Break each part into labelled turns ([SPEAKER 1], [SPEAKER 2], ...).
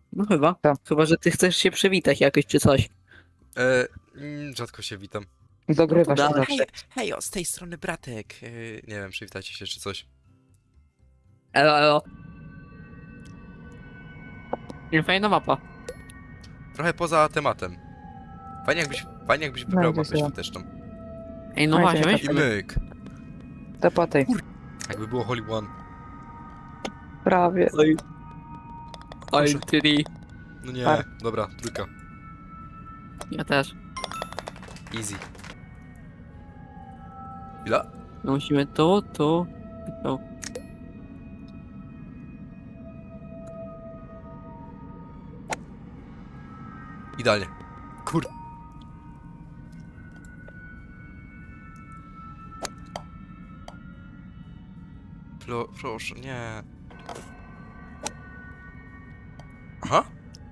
[SPEAKER 1] No chyba.
[SPEAKER 2] Co?
[SPEAKER 1] Chyba, że ty chcesz się przywitać jakoś czy coś.
[SPEAKER 3] Rzadko się witam.
[SPEAKER 2] Dogrywasz
[SPEAKER 1] No
[SPEAKER 2] to
[SPEAKER 1] to
[SPEAKER 2] zawsze.
[SPEAKER 3] Hej, z tej strony bratek. Nie wiem, przywitajcie się czy coś.
[SPEAKER 1] Elo, elo. Nie, fajna mapa.
[SPEAKER 3] Trochę poza tematem. Fajnie jakbyś wybrał
[SPEAKER 2] idę
[SPEAKER 3] mapę
[SPEAKER 2] sobie.
[SPEAKER 3] świąteczną.
[SPEAKER 1] Ej, no
[SPEAKER 2] Oj,
[SPEAKER 1] właśnie,
[SPEAKER 2] czekaj,
[SPEAKER 1] weź.
[SPEAKER 3] I myk.
[SPEAKER 2] To po tej.
[SPEAKER 3] Jakby było Holy One.
[SPEAKER 2] Prawie.
[SPEAKER 1] Oj.
[SPEAKER 3] Proszę.
[SPEAKER 1] Oj, tyri.
[SPEAKER 3] No nie,
[SPEAKER 2] Par.
[SPEAKER 3] dobra, trójka.
[SPEAKER 1] Ja też.
[SPEAKER 3] Easy. Chwila.
[SPEAKER 1] No musimy tu. Tu.
[SPEAKER 3] Idealnie. Kur... Proszę, nie. Aha.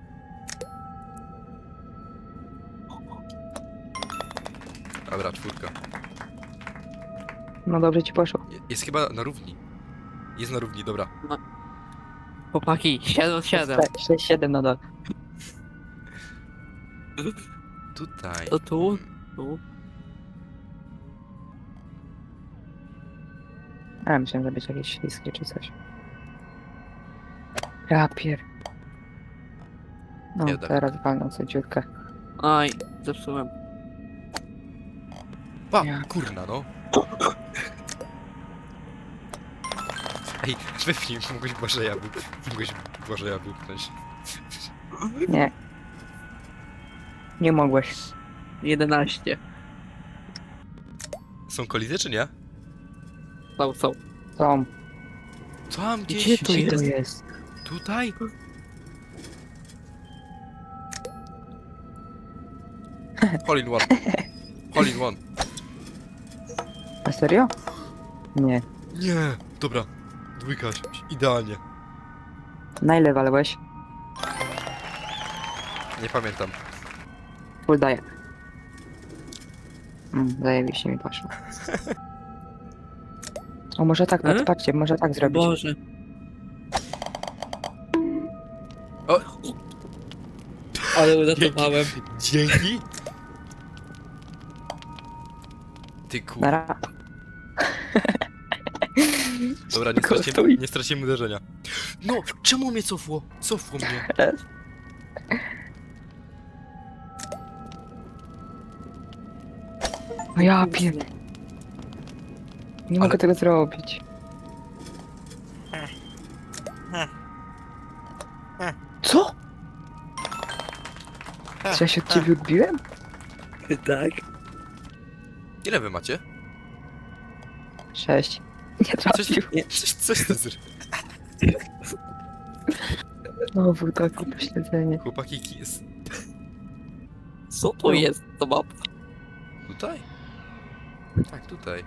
[SPEAKER 3] Dobra, czwórka.
[SPEAKER 2] No dobrze ci poszło.
[SPEAKER 3] Jest chyba na równi. Jest na równi, dobra.
[SPEAKER 1] Chłopaki, 7.
[SPEAKER 2] 6-7 nadal.
[SPEAKER 3] Tutaj.
[SPEAKER 1] To tu. Tu.
[SPEAKER 2] A, myślałem, że będzie jakieś śliskie czy coś. Rapier. No,
[SPEAKER 3] Jeden.
[SPEAKER 2] teraz walną sobie dziurkę.
[SPEAKER 1] Oj, zepsułem.
[SPEAKER 3] Pa,
[SPEAKER 2] Ja.
[SPEAKER 3] kurna no. Ej, wypnij, mogłeś Błażeja wypchnąć.
[SPEAKER 2] Nie. Nie mogłeś.
[SPEAKER 1] 11.
[SPEAKER 3] Są kolizje czy nie?
[SPEAKER 1] Są.
[SPEAKER 2] Tom,
[SPEAKER 3] Tam
[SPEAKER 1] Gdzie
[SPEAKER 3] gdzieś.
[SPEAKER 1] tu
[SPEAKER 2] gdzie to
[SPEAKER 1] jest?
[SPEAKER 2] jest?
[SPEAKER 3] Tutaj? Hole in one. Hole in one.
[SPEAKER 2] Na serio? Nie.
[SPEAKER 3] Nie, dobra. Dwójka, idealnie.
[SPEAKER 2] Na ile walałeś?
[SPEAKER 3] Nie pamiętam.
[SPEAKER 2] Full daję. Zajebiście mi poszło. O, może tak, patrzcie, może tak zrobić.
[SPEAKER 1] Boże.
[SPEAKER 3] O!
[SPEAKER 1] Ale uratowałem.
[SPEAKER 3] Dzięki. Ty kur...
[SPEAKER 2] Nara.
[SPEAKER 3] Dobra,
[SPEAKER 2] Kosztuj.
[SPEAKER 3] nie straciłem uderzenia. No, czemu mnie cofło? Cofło mnie.
[SPEAKER 2] No ja pier... Nie mogę
[SPEAKER 3] Ale-
[SPEAKER 2] tego zrobić. Co? Czy ja się od ciebie odbiłem?
[SPEAKER 1] Tak.
[SPEAKER 3] Ile wy macie?
[SPEAKER 2] 6. Nie
[SPEAKER 3] Coś,
[SPEAKER 2] trafił.
[SPEAKER 3] coś ty zry...
[SPEAKER 2] Znowu takie pośledzenie.
[SPEAKER 3] Chłopaki, jest...
[SPEAKER 1] Co to jest to mapa?
[SPEAKER 3] Tutaj? Tak, tutaj.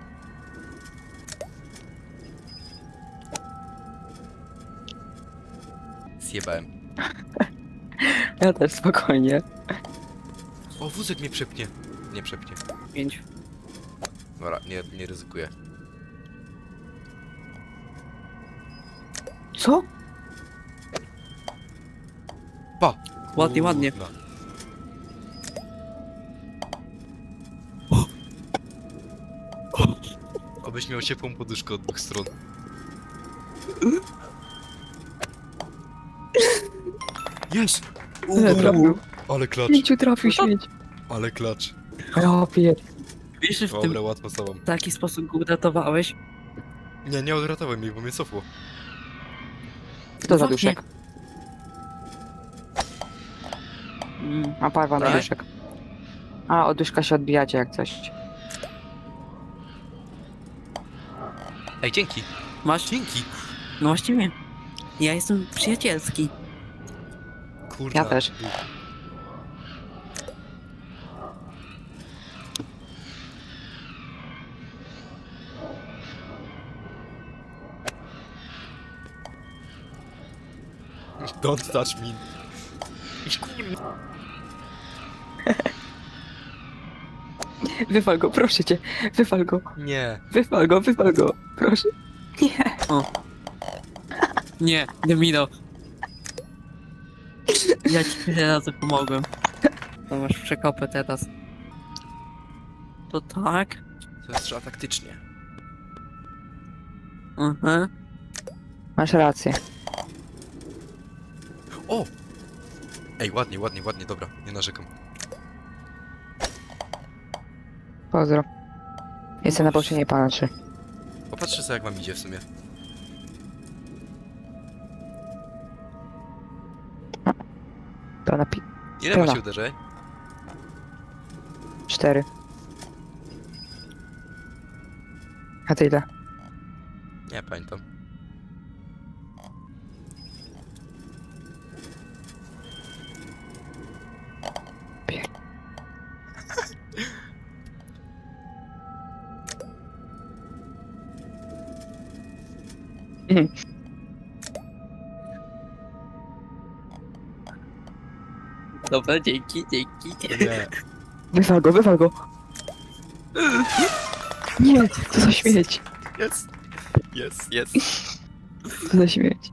[SPEAKER 3] Zjebałem.
[SPEAKER 2] Ja też spokojnie.
[SPEAKER 3] O, wózek mnie przepnie. Nie przepnie.
[SPEAKER 1] 5.
[SPEAKER 3] Dobra, nie ryzykuję.
[SPEAKER 2] Co?
[SPEAKER 3] Pa!
[SPEAKER 1] Ładnie, ładnie.
[SPEAKER 3] Kurna. Obyś miał ciepłą poduszkę od dwóch stron. Jest!
[SPEAKER 2] Ile trafił?
[SPEAKER 3] Ale klacz,
[SPEAKER 2] 5 trafił śmieć.
[SPEAKER 3] ale klacz.
[SPEAKER 2] Ja pier...
[SPEAKER 1] Wiesz, że w tym
[SPEAKER 3] Dobra, łatwo z tobą.
[SPEAKER 1] taki sposób go uratowałeś?
[SPEAKER 3] Nie odratowałem mnie, bo mnie cofło.
[SPEAKER 2] Kto za
[SPEAKER 1] Właśnie.
[SPEAKER 2] duszek?
[SPEAKER 1] Mm.
[SPEAKER 2] A parwa na
[SPEAKER 3] Tak?
[SPEAKER 2] duszek. A, od duszka się odbijacie jak coś.
[SPEAKER 3] Ej, dzięki!
[SPEAKER 1] Masz?
[SPEAKER 3] Dzięki!
[SPEAKER 1] No właściwie. Ja jestem przyjacielski.
[SPEAKER 3] Kurna.
[SPEAKER 2] Ja też.
[SPEAKER 3] Don't touch me.
[SPEAKER 2] Wywal go, proszę cię. Wywal go,
[SPEAKER 3] Nie.
[SPEAKER 2] wywal go. Proszę. Nie.
[SPEAKER 1] Nie, Domino. Ja ci tyle razy pomogłem. To masz przekopę teraz. To tak?
[SPEAKER 3] To jest trzeba taktycznie.
[SPEAKER 1] Mhm.
[SPEAKER 2] Masz rację.
[SPEAKER 3] O! Ej, ładnie, ładnie, ładnie, dobra, nie narzekam.
[SPEAKER 2] Pozdro. Jestem na bocie, nie patrzy.
[SPEAKER 3] Popatrzcie sobie, jak wam idzie w sumie.
[SPEAKER 2] To na
[SPEAKER 3] Ile
[SPEAKER 2] Tyle.
[SPEAKER 3] macie uderzeń?
[SPEAKER 2] 4. A ty ile?
[SPEAKER 3] Nie pamiętam.
[SPEAKER 1] Dobra, dzięki, dzięki.
[SPEAKER 3] Nie.
[SPEAKER 2] Wywal go, wywal go! Nie, co za śmieć!
[SPEAKER 3] Jest. Jest, jest.
[SPEAKER 2] Co za śmieć.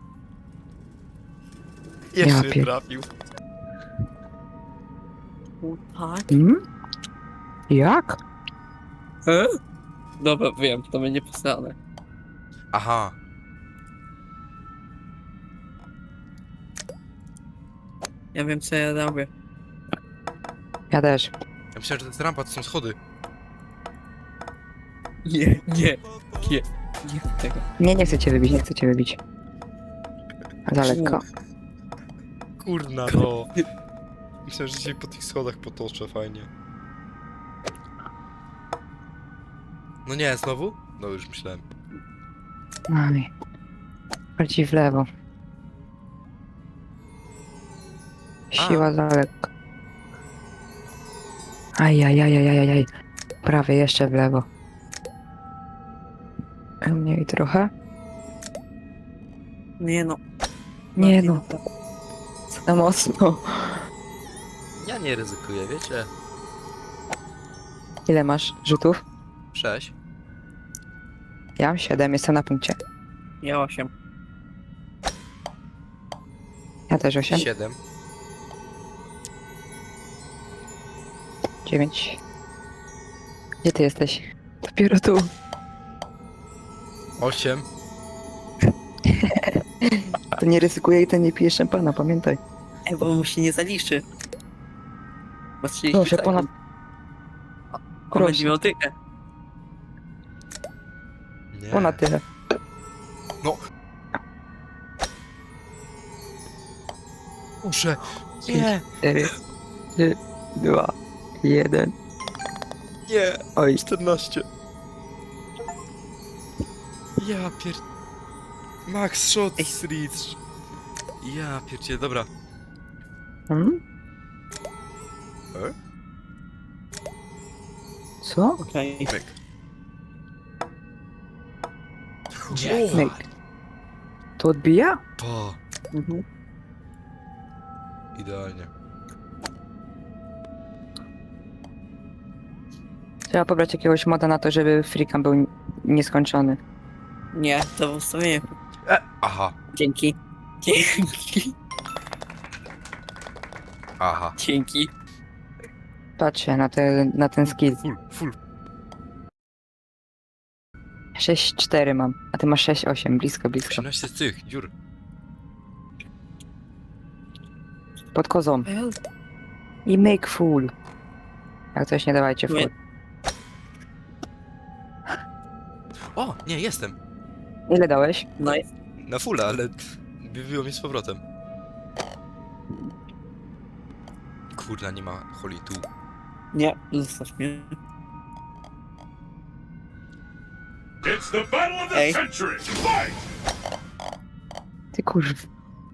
[SPEAKER 3] Jeszcze
[SPEAKER 2] pier-
[SPEAKER 3] trafił.
[SPEAKER 1] O, tak?
[SPEAKER 2] Hmm? Jak?
[SPEAKER 1] Dobra, wiem, to będzie posrane.
[SPEAKER 3] Aha.
[SPEAKER 1] Ja wiem, co ja robię.
[SPEAKER 2] Ja też.
[SPEAKER 3] Ja myślałem, że to jest rampa, to są schody.
[SPEAKER 1] Nie, nie, nie, nie chcę tego.
[SPEAKER 2] Nie, nie chcę cię wybić, nie chcę cię wybić. Za lekko.
[SPEAKER 3] Kurna no. Myślałem, że się po tych schodach potoczę, fajnie. No nie, znowu? No już myślałem.
[SPEAKER 2] Aj. Bardziej w lewo. Siła za lekko. Ajajajajajaj. Prawie jeszcze w lewo. Mniej trochę.
[SPEAKER 1] Nie no.
[SPEAKER 2] Nie no, za mocno.
[SPEAKER 3] Ja nie ryzykuję, wiecie?
[SPEAKER 2] Ile masz rzutów?
[SPEAKER 3] 6.
[SPEAKER 2] Ja mam 7, jestem na punkcie.
[SPEAKER 1] Ja 8.
[SPEAKER 2] Ja też 8.
[SPEAKER 3] 7.
[SPEAKER 2] 9. Gdzie ty jesteś? Dopiero tu.
[SPEAKER 3] 8.
[SPEAKER 2] To nie ryzykuję i ten nie pije szampana, pamiętaj.
[SPEAKER 1] Ej, bo mu się nie zaliczy. Bo 30
[SPEAKER 2] Proszę,
[SPEAKER 1] sekund.
[SPEAKER 2] ponad...
[SPEAKER 1] On
[SPEAKER 2] proszę.
[SPEAKER 1] będzie miał tykę.
[SPEAKER 3] Nie.
[SPEAKER 2] Ponad tyle.
[SPEAKER 3] No. Muszę. Nie.
[SPEAKER 2] 4, 3, 2, 1.
[SPEAKER 3] Nie.
[SPEAKER 2] Oj,
[SPEAKER 3] 14. Ja pier... Max shot
[SPEAKER 1] Ej.
[SPEAKER 3] reach. Ja pierdzie, dobra.
[SPEAKER 2] hmm?
[SPEAKER 3] E?
[SPEAKER 2] Co?
[SPEAKER 1] Okej.
[SPEAKER 3] Myk.
[SPEAKER 1] Gdzie?
[SPEAKER 2] Myk. To odbija?
[SPEAKER 3] Pa.
[SPEAKER 1] Mhm.
[SPEAKER 3] Idealnie.
[SPEAKER 2] Trzeba pobrać jakiegoś moda na to, żeby freecam był nieskończony.
[SPEAKER 1] Nie, to w ustawieniu.
[SPEAKER 3] Aha.
[SPEAKER 1] Dzięki. Dzięki.
[SPEAKER 3] Aha.
[SPEAKER 1] Dzięki.
[SPEAKER 2] Patrzę na ten skill.
[SPEAKER 3] Full.
[SPEAKER 2] 6-4 mam, a ty masz 6-8, blisko.
[SPEAKER 3] 18 z tych dziur.
[SPEAKER 2] Pod kozą. I make full. Jak coś nie dawajcie full.
[SPEAKER 1] Nie.
[SPEAKER 3] O, nie, jestem.
[SPEAKER 2] Ile dałeś?
[SPEAKER 1] Nice.
[SPEAKER 3] Na fulla, ale wybiło mnie z powrotem. Kurna, nie ma holi tu.
[SPEAKER 1] Nie, zostaw mnie.
[SPEAKER 4] It's the battle of the
[SPEAKER 1] Hey.
[SPEAKER 4] century! Fight!
[SPEAKER 2] Ty kurw.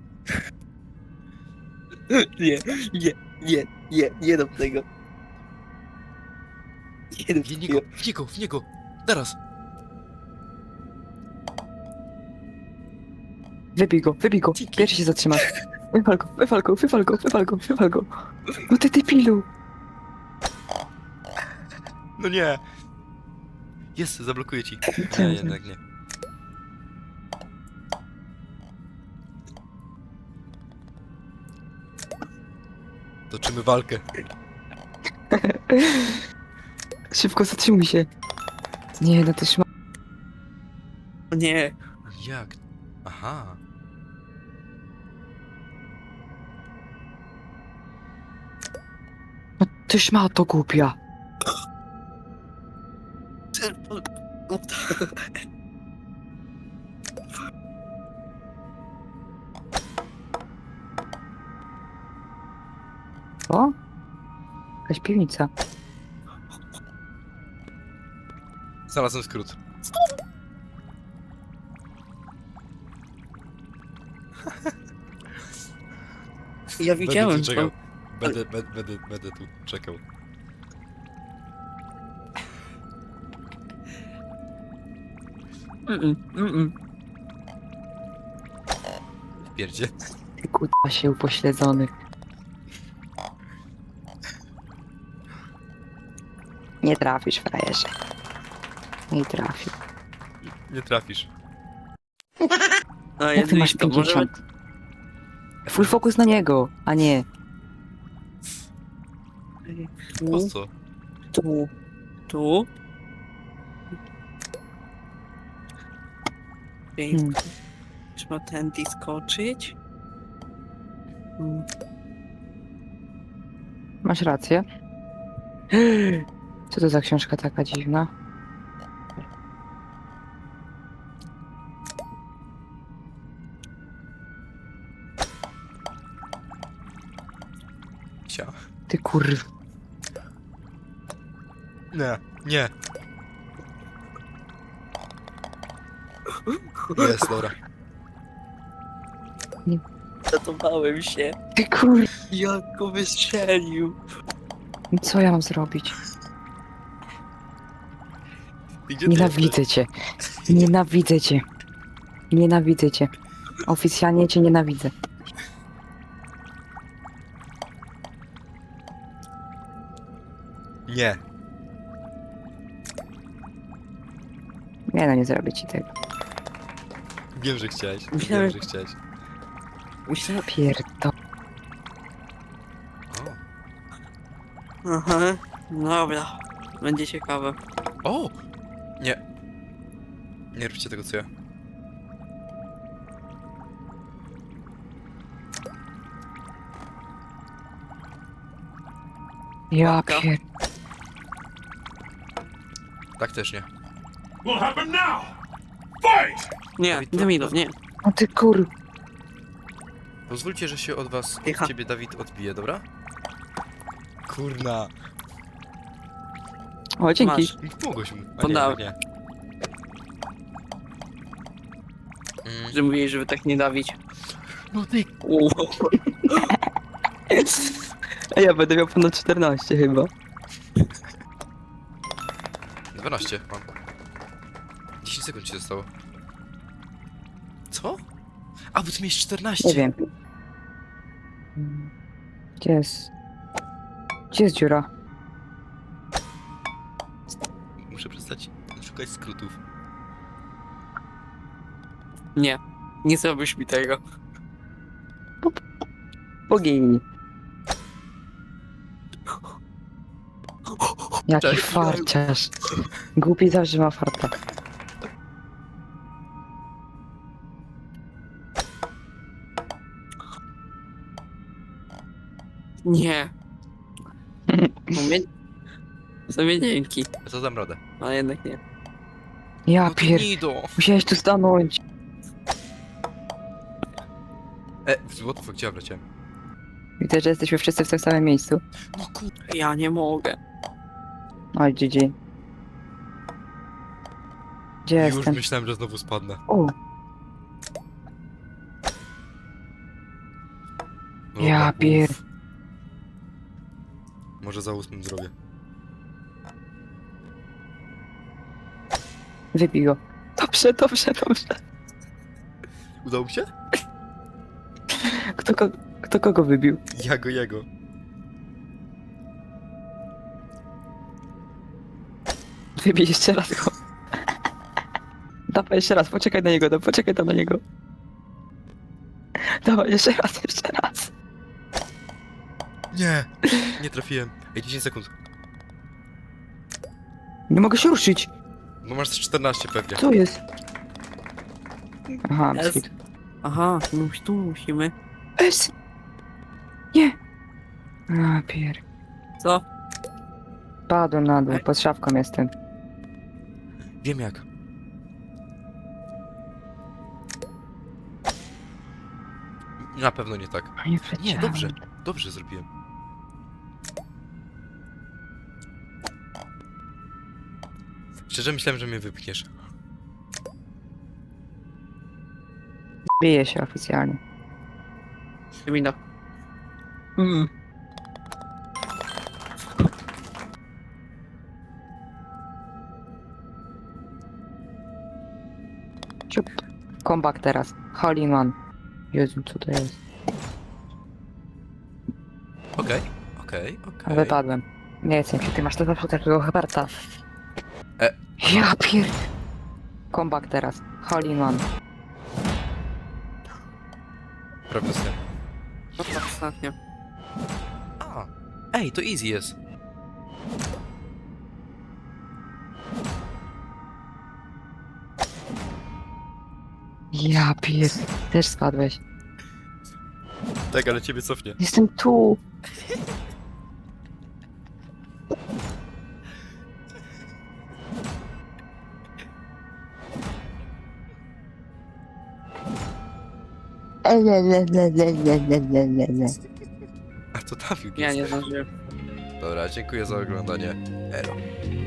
[SPEAKER 1] Nie do tego. Nie do
[SPEAKER 3] W niego, w niego! Teraz!
[SPEAKER 2] Wybij go.
[SPEAKER 3] Dzięki.
[SPEAKER 2] Pierwszy się zatrzymasz. Wywal go. No ty debilu.
[SPEAKER 3] No nie! Jest, zablokuję ci.
[SPEAKER 2] Co?
[SPEAKER 3] Nie, jednak nie. Toczymy walkę.
[SPEAKER 2] Szybko zatrzymuj się. Nie, no to szma...
[SPEAKER 1] O nie.
[SPEAKER 3] Jak? Aha.
[SPEAKER 2] No ty szmato głupia. O? Jakaś piwnica.
[SPEAKER 3] Znalazłem skrót.
[SPEAKER 1] Ja widziałem
[SPEAKER 3] Będę tu czekał.
[SPEAKER 1] to.
[SPEAKER 3] Będę tu czekał. Pierdzie.
[SPEAKER 2] Ty kurwa się upośledzony. Nie trafisz, frajerze. Nie trafił.
[SPEAKER 3] Nie trafisz.
[SPEAKER 1] A
[SPEAKER 2] Jak ty masz
[SPEAKER 1] to może
[SPEAKER 2] 50? Full fokus na niego, a nie.
[SPEAKER 3] Po
[SPEAKER 1] tu,
[SPEAKER 3] co?
[SPEAKER 1] tu, tu. Pięknie. Trzeba tędy skoczyć.
[SPEAKER 2] Masz rację. Co to za książka taka dziwna?
[SPEAKER 3] Cia.
[SPEAKER 2] Ty kurw.
[SPEAKER 3] Nie, nie. Jest, dobra.
[SPEAKER 1] Zatowałem się.
[SPEAKER 2] Ty kurw.
[SPEAKER 1] Jak go wystrzelił.
[SPEAKER 2] Co ja mam zrobić?
[SPEAKER 3] I gdzie ty
[SPEAKER 2] Nienawidzę cię. Nienawidzę cię. Nienawidzę cię. Oficjalnie cię nienawidzę.
[SPEAKER 3] jesteś? Nie.
[SPEAKER 2] Nie no, nie zrobię ci tego.
[SPEAKER 3] Wiem, że chciałeś.
[SPEAKER 1] Myślałem-
[SPEAKER 3] Wiem, że chciałeś.
[SPEAKER 1] Myślałem...
[SPEAKER 2] Pierdo.
[SPEAKER 3] O.
[SPEAKER 1] Aha. Dobra. Będzie ciekawe.
[SPEAKER 3] O! Nie. Nie róbcie tego, co ja.
[SPEAKER 2] Ja
[SPEAKER 1] Łapka.
[SPEAKER 2] pier...
[SPEAKER 3] Tak też nie.
[SPEAKER 4] Will happen now. Fight!
[SPEAKER 1] Nie,
[SPEAKER 3] Dawid, to-
[SPEAKER 1] Demido, nie.
[SPEAKER 2] No ty kur...
[SPEAKER 3] Pozwólcie, że się od was,
[SPEAKER 1] Tycha.
[SPEAKER 3] od ciebie, Dawid, odbije, dobra? Kurna.
[SPEAKER 2] O, dzięki.
[SPEAKER 1] Masz.
[SPEAKER 3] Pomogłeś mu. A
[SPEAKER 1] Podałem.
[SPEAKER 3] nie.
[SPEAKER 1] Że mówiłeś, żeby tak nie dawić.
[SPEAKER 3] No ty...
[SPEAKER 2] A ja będę miał ponad 14 chyba.
[SPEAKER 3] 12 mam. 10 sekund ci zostało. Co? A, bo ty miałeś 14.
[SPEAKER 2] Nie wiem. Gdzie jest? Gdzie jest dziura?
[SPEAKER 3] Muszę przestać szukać skrótów.
[SPEAKER 1] Nie. Nie zrobisz mi tego.
[SPEAKER 2] Bogini. Jaki
[SPEAKER 3] Cześć.
[SPEAKER 2] farciarz. Głupi zawsze ma farta.
[SPEAKER 1] Nie. W sumie dzięki.
[SPEAKER 3] Ja to dam radę.
[SPEAKER 1] Ale jednak nie.
[SPEAKER 2] Ja
[SPEAKER 3] No ty
[SPEAKER 2] pier...
[SPEAKER 3] Nido!
[SPEAKER 2] Musiałeś tu stanąć.
[SPEAKER 3] What the fuck, gdzie ja wleciałem?
[SPEAKER 2] Widzę, że jesteśmy wszyscy w tym samym miejscu.
[SPEAKER 3] No kur...
[SPEAKER 1] Ja nie mogę.
[SPEAKER 2] Oj, GG. Gdzie
[SPEAKER 3] Już
[SPEAKER 2] jestem?
[SPEAKER 3] myślałem, że znowu spadnę.
[SPEAKER 2] O,
[SPEAKER 3] Dobra,
[SPEAKER 2] Ja pier-
[SPEAKER 3] uff. Może za 8 zrobię.
[SPEAKER 2] wybij go. Dobrze, dobrze, dobrze.
[SPEAKER 3] Udało mi się?
[SPEAKER 2] Kto kogo wybił?
[SPEAKER 3] Jego.
[SPEAKER 2] Wybij jeszcze raz go. Dawaj jeszcze raz, poczekaj na niego, poczekaj tam na niego. Dawaj jeszcze raz, jeszcze raz.
[SPEAKER 3] Nie! Nie trafiłem. Ej, 10 sekund.
[SPEAKER 2] Nie mogę się ruszyć.
[SPEAKER 3] No masz 14 pewnie.
[SPEAKER 2] Co jest? Aha,
[SPEAKER 1] Jest.
[SPEAKER 2] biskit.
[SPEAKER 1] Aha, tu musimy.
[SPEAKER 2] S! Nie! A, pier...
[SPEAKER 1] Co?
[SPEAKER 2] Padłem na dół,
[SPEAKER 1] Ej.
[SPEAKER 2] pod szafką jestem.
[SPEAKER 3] Wiem jak. Na pewno nie tak.
[SPEAKER 2] A nie,
[SPEAKER 3] Nie,
[SPEAKER 2] wleciałem.
[SPEAKER 3] dobrze. Dobrze zrobiłem. Szczerze myślałem, że mnie wypchniesz.
[SPEAKER 2] Bije się oficjalnie.
[SPEAKER 1] Mina.
[SPEAKER 2] Ciup. Comeback teraz. Hole in one. Jezu, co to jest?
[SPEAKER 3] Okej.
[SPEAKER 2] A wypadłem. Nie wiem, ty masz to zawsze takiego Herberta.
[SPEAKER 3] E.
[SPEAKER 2] Ja pier... Comeback teraz. Hole in one.
[SPEAKER 3] Prawie dostałem.
[SPEAKER 1] No to ostatnio.
[SPEAKER 3] A. Ej, to easy jest.
[SPEAKER 2] Ja pier... Też spadłeś.
[SPEAKER 3] Tak, ale ciebie cofnie.
[SPEAKER 2] Jestem tu.
[SPEAKER 3] A to trafił.
[SPEAKER 1] Ja nie zdążyłem.
[SPEAKER 3] Dobra, dziękuję za oglądanie. Elo.